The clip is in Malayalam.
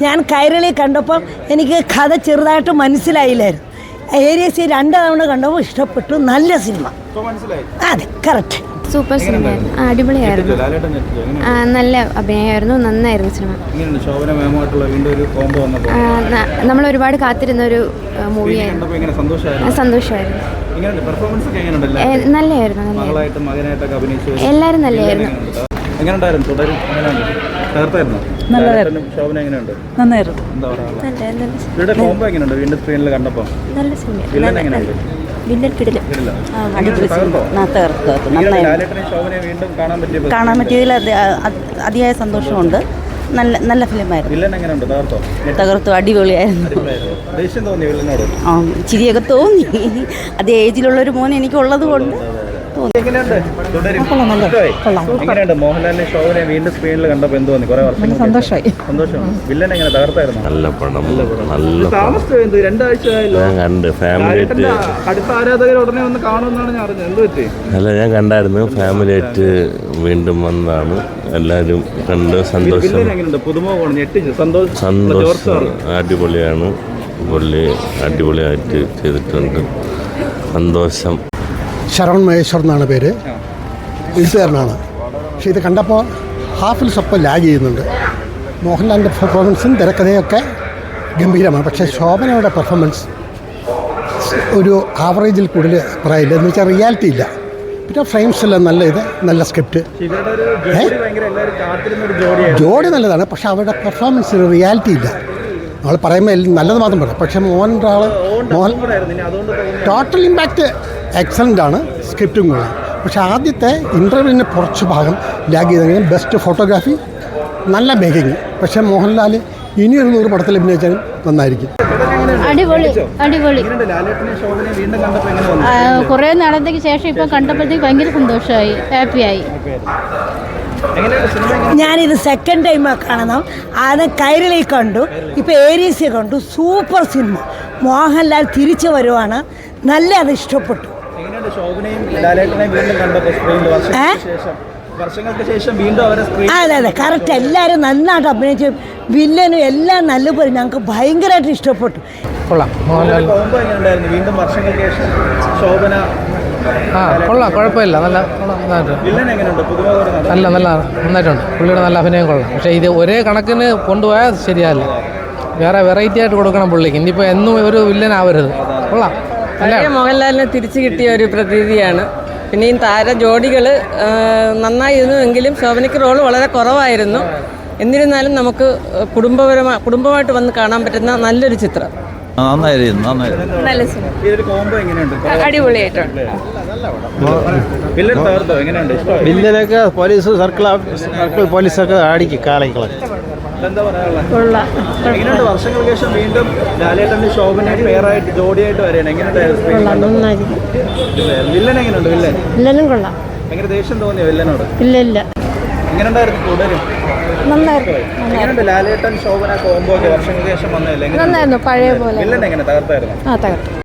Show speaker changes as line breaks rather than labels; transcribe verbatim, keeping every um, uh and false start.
ഞാൻ കൈരളി കണ്ടപ്പോൾ എനിക്ക് കഥ ചെറുതായിട്ട് മനസ്സിലായില്ലായിരുന്നു. ഏരിയസ് രണ്ട് തവണ കണ്ടപ്പോൾ ഇഷ്ടപ്പെട്ടു. നല്ല സിനിമ. അതെ, കറക്റ്റ്.
സൂപ്പർ സിനിമയായിരുന്നു. അടിപൊളിയായിരുന്നു. നല്ല അഭിനയമായിരുന്നു. നന്നായിരുന്നു സിനിമ. നമ്മൾ ഒരുപാട് കാത്തിരുന്ന ഒരു മൂവിയായിരുന്നു. സന്തോഷമായിരുന്നു. നല്ലതായിരുന്നു. എല്ലാവരും നല്ലതായിരുന്നു.
കാണാൻ പറ്റിയതിൽ അതിയായ സന്തോഷമുണ്ട്. നല്ല നല്ല ഫിലിമായിരുന്നു. തകർത്തു. അടിപൊളിയായിരുന്നു. ചിരിയൊക്കെ തോന്നി. അതേ ഏജിലുള്ളൊരു മോൻ എനിക്കുള്ളത് കൊണ്ട്
സന്തോഷമായി.
നല്ല പടം. നല്ല അല്ല, ഞാൻ കണ്ടായിരുന്നു. ഫാമിലി ആയിട്ട് വീണ്ടും വന്നതാണ്. എല്ലാവരും കണ്ട് സന്തോഷം. സന്തോഷം. അടിപൊളിയാണ്. പുള്ളി അടിപൊളിയായിട്ട് ചെയ്തിട്ടുണ്ട്. സന്തോഷം.
ശരവൺ മഹേശ്വർ എന്നാണ് പേര്. എഴുത്തുകാരനാണ്. പക്ഷേ ഇത് കണ്ടപ്പോൾ ഹാഫിൽ സ്വപ്പം ലാഗ് ചെയ്യുന്നുണ്ട്. മോഹൻലാലിൻ്റെ പെർഫോമൻസും തിരക്കഥയൊക്കെ ഗംഭീരമാണ്. പക്ഷേ ശോഭനയുടെ പെർഫോമൻസ് ഒരു ആവറേജിൽ കൂടുതൽ പറയില്ല. എന്ന് വെച്ചാൽ റിയാലിറ്റി ഇല്ല. പിന്നെ ഫ്രെയിംസ് എല്ലാം നല്ല ഇത് നല്ല സ്ക്രിപ്റ്റ്. ജോഡി നല്ലതാണ്. പക്ഷെ അവരുടെ പെർഫോമൻസിന് റിയാലിറ്റി ഇല്ല. നമ്മൾ പറയുമ്പോൾ നല്ലത് മാത്രം പറയാം. പക്ഷേ മോഹൻ ഒരാൾ മോഹൻ ടോട്ടൽ ഇമ്പാക്റ്റ് എക്സലൻ്റ് ആണ്. സ്ക്രിപ്റ്റും കൂടെ. പക്ഷേ ആദ്യത്തെ ഇൻ്റർവ്യൂവിന് കുറച്ച് ഭാഗം ലാഗ് ചെയ്തെങ്കിലും ബെസ്റ്റ് ഫോട്ടോഗ്രാഫി, നല്ല മേക്കിങ്. പക്ഷേ മോഹൻലാൽ ഇനിയൊരു നൂറ് പടത്തിൽ അഭിനയിച്ചാലും നന്നായിരിക്കും.
അടിപൊളി അടിപൊളി. കുറേ നാളത്തേക്ക് ശേഷം ഇപ്പം കണ്ടപ്പോഴത്തേക്ക് ഭയങ്കര സന്തോഷമായി, ഹാപ്പിയായി.
ഞാനിത് സെക്കൻഡ് ടൈം കാണണം. ആദ്യം കൈരളി കണ്ടു, ഇപ്പോൾ ഏരിയസ് കണ്ടു. Super cinema. മോഹൻലാൽ തിരിച്ചു വരുവാണ്. നല്ല അത് ഇഷ്ടപ്പെട്ടു. അതെ അതെ, കറക്റ്റ്. എല്ലാവരും നന്നായിട്ട് അഭിനയിച്ചു. വില്ലനും എല്ലാം നല്ലപോലെ ഞങ്ങൾക്ക് ഭയങ്കരമായിട്ട് ഇഷ്ടപ്പെട്ടു.
കൊള്ളാം. ആ കൊള്ളാം, കുഴപ്പമില്ല. നല്ല നല്ല നല്ല നന്നായിട്ടുണ്ട്. പുള്ളിയുടെ നല്ല അഭിനയം കൊള്ളാം. പക്ഷേ ഇത് ഒരേ കണക്കിന് കൊണ്ടുപോയാൽ ശരിയല്ല. വേറെ വെറൈറ്റി ആയിട്ട് കൊടുക്കണം പുള്ളിക്ക്. ഇനിയിപ്പോൾ എന്നും ഒരു വില്ലനാവരുത്. കൊള്ളാം.
പഴയ മോഹൻലാലിനെ തിരിച്ചു കിട്ടിയ ഒരു പ്രതീതിയാണ്. പിന്നെ ഈ താര ജോഡികൾ നന്നായിരുന്നു. എങ്കിലും ശോഭനയ്ക്ക് റോള് വളരെ കുറവായിരുന്നു. എന്നിരുന്നാലും നമുക്ക് കുടുംബപരമായി കുടുംബമായിട്ട് വന്ന് കാണാൻ പറ്റുന്ന നല്ലൊരു ചിത്രം.
നല്ല സിനിമ. അടിപൊളിയായിട്ടുണ്ട്.
വില്ലനൊക്കെ പോലീസ് സർക്കിൾ സർക്കിൾ പോലീസൊക്കെ അടിക്കും കാലങ്ങളെ.
വർഷങ്ങൾക്ക് ശേഷം വീണ്ടും ലാലേട്ടന്റെ ശോഭന പേരായിട്ട് ജോഡിയായിട്ട് വരെയാണ്. വില്ലൻ എങ്ങനെയുണ്ട്? വില്ലൻ
വില്ലനും കൊള്ളാം.
ഭയങ്കര ദേഷ്യം തോന്നിയോ വില്ലനോട്?
ഇല്ല ഇല്ല.
എങ്ങനെയുണ്ടായിരുന്നു? തുടരും എങ്ങനെയുണ്ട്? ലാലേട്ടൻ ശോഭന കോംബോ ഒക്കെ വർഷങ്ങൾക്ക് ശേഷം വന്നതല്ലേ?
നന്നായിരുന്നു. പഴയ പോലെ.
വില്ലൻ എങ്ങനെ തകർത്തായിരുന്നു?
ആ തകർത്തു.